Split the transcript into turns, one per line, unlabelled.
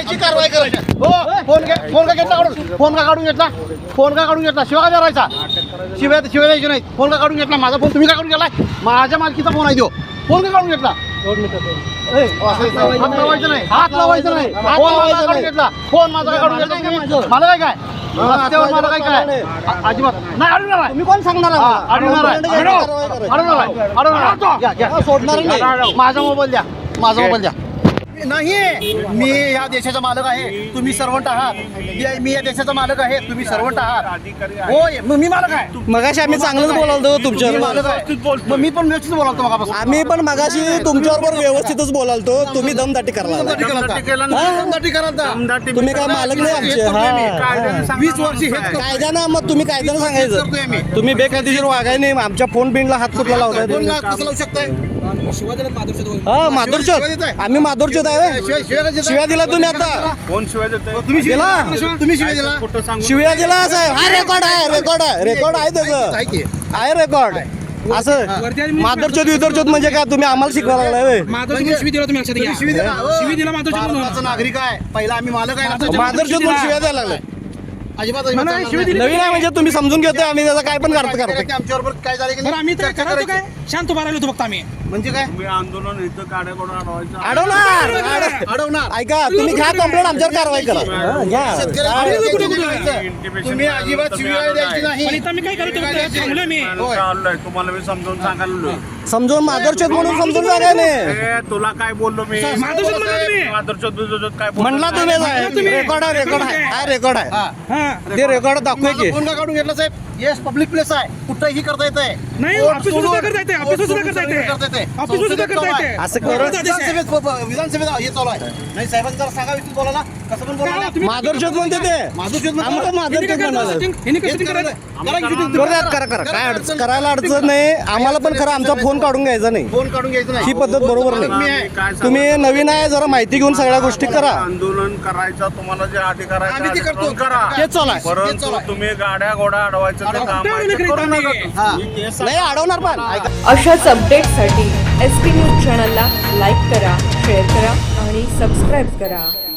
कायदेशीर कारवाई करायची. हो फोन का घेतला काढून, फोन का काढून घेतला, फोन का काढून घेतला, शिवा का करायचा, शिव्या द्यायची नाही. फोन का काढून घेतला, माझा फोन तुम्ही का काढून घेतलाय, माझ्या मालकीचा फोन आहे तो, फोन का काढून घेतला. हात लावायचं नाही, हात लावायचं नाही, फोन माझा काढून घेतला, फोन माझा काढून घेतला. मला काय काय रस्त्यावर मला काय काय अजिबात नाही अडवणार आहे.
तुम्ही कोण सांगणार
सोडणार नाही. माझा मोबाईल द्या, माझा मोबाईल द्या. नाही मी या देशाचा मालक आहे, तुम्ही सर्वंट आहात. मी या देशाचा मालक आहे, तुम्ही सर्वंट आहात. होय मी मालक आहे.
मगाशी आम्ही चांगलंच बोलालतो तुमच्यावर.
मालक आहे मग मी पण व्यवस्थित बोलावतो मगापासून.
आम्ही पण मगाशी तुमच्याबरोबर व्यवस्थितच बोलालतो. तुम्ही दमदाटी करायला
दमदाटी करायला
तुम्ही काय मालक नाही आमचे. हा
20 वर्ष हेच
कायद्यानं मग तुम्ही कायद्यानं
करतोय मी.
सांगायचं. तुम्ही बेकायदेशीर वागाय नाही. आमच्या फोन बिनला हात कुठला लावताय
फोन कसं लावू शकताय.
हा माधुरचोद. आम्ही माधुरचोद आहे. शिव्या दिला तुम्ही आता.
कोण शिवाय देतोय?
तुम्ही शिव्या
दिला?
दिला? तुम्ही शिव्या दिला?
कुठं सांगू?
शिव्या दिला साहेब. हा रेकॉर्ड आहे, रेकॉर्ड आहे, रेकॉर्ड आहे त्याचं.
आहे की?
आहे रेकॉर्ड. असं माधुरचोद विदरचोद म्हणजे काय तुम्ही आम्हाला शिकवायला लागलाय होय?
तुम्ही शिवी दिला? भारताचा नागरिक आहे. पहिला आम्ही मालक आहे.
माधुरचोद म्हणून शिव्या द्यायला लागलाय.
अजिबात
नवीन आहे म्हणजे तुम्ही समजून घेतोय. आम्ही त्याचा काय पण करतो.
आमच्याबरोबर काय झालं की नाही? चर्चा करायची.
शांत उभा राहिलो होतो फक्त आम्ही.
म्हणजे काय
तुम्ही आंदोलन इथं काड्या करून अडवायचं.
अडवणार.
ऐका तुम्ही घ्या कंप्लेंट आमच्यावर कारवाई करा. घ्या.
तुम्ही अजिबात शिव्या द्यायची
पण
नाही.
इथं मी काय करतो थांबलोय मी.
चाललोय तुम्हाला मी समजावून सांगायला.
समजून माधुरचोद म्हणून समजून सांगा नाही.
ए, तुला काय बोललो मी?
माधुरचोद म्हणला तुम्ही.
माधुरचोद काय बोललो?
म्हणला तुम्ही रेकॉर्ड आहे, रेकॉर्ड आहे, हा रेकॉर्ड आहे.
हा.
ते रेकॉर्ड दाखवूय की.
फोन का काढून घेतला साहेब? येस पब्लिक प्लेस आहे, कुठंही करता येतंय.
नाही, ऑफिस सुद्धा करता येते, ऑफिस सुद्धा करता येते. ऑफिस सुद्धा करता येते.
असं करून
विधानसभेत हे चालू आहे. नाही साहेबांनी जरा सांगा विष्णू बोलायला कसं पण बोलायला.
माधुरचोद म्हणते ते.
माधुरचोद
आम्हाला माधुरचोद म्हणाले.
हिने कसं करायचं?
करा काय अडचण करायला अडचण नाही. आम्हाला पण खरं आमचा फोन काढून घ्यायचा नाही.
फोन काढून घ्यायचं नाही.
ही पद्धत बरोबर नाही.
काय सांगू?
तुम्ही नवीन आहे, जरा माहिती घेऊन सगळ्या गोष्टी करा.
आंदोलन करायचं तुम्हाला जे अधिकार आहे
आम्ही ते करतो.
आंदोलन करा.
तेच चालू आहे.
परंतु तुम्ही गाड्या घोडा अडवायचं ते काम आहे, ते करू नका.
हा.
नाही अडवणार पण ऐका.
अशाच अपडेट्ससाठी SP न्यूज चॅनलला लाईक करा, शेअर करा आणि सबस्क्राईब करा.